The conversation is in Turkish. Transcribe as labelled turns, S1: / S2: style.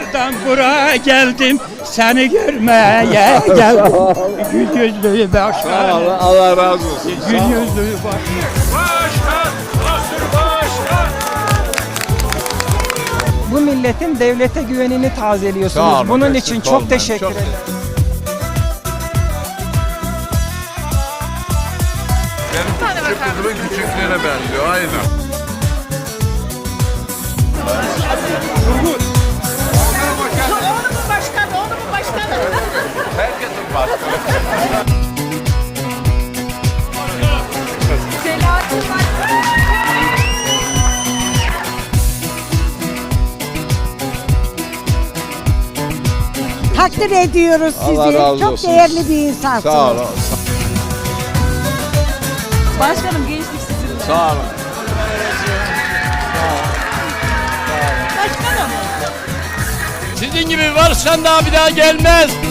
S1: Diyarbakır'dan buraya geldim, seni görmeye geldim. Gül yüzlü başkan.
S2: Allah razı olsun.
S1: Gül yüzlü başkan.
S3: Başkan, Asır Başkan.
S4: Bu milletin devlete güvenini tazeliyorsunuz.
S2: Sağ olun,
S4: Bunun
S2: eksik
S4: için çok
S2: olmayın.
S4: teşekkür
S2: Çok-
S4: ederim.
S2: Benim küçük kızımın küçüklüğüne benziyor. Aynen.
S5: Oğlumun başkanı, oğlumun başkanı.
S2: Herkesin başkanı.
S5: Selahattin Başkan.
S6: Takdir ediyoruz sizi.
S2: Allah razı
S6: Çok
S2: olsun.
S6: değerli bir insansınız.
S2: Sağ olun.
S5: Başkanım gençlik sizinle.
S2: Sağ olun.
S5: Başkanım.
S3: Sizin gibi varsan daha bir daha gelmez.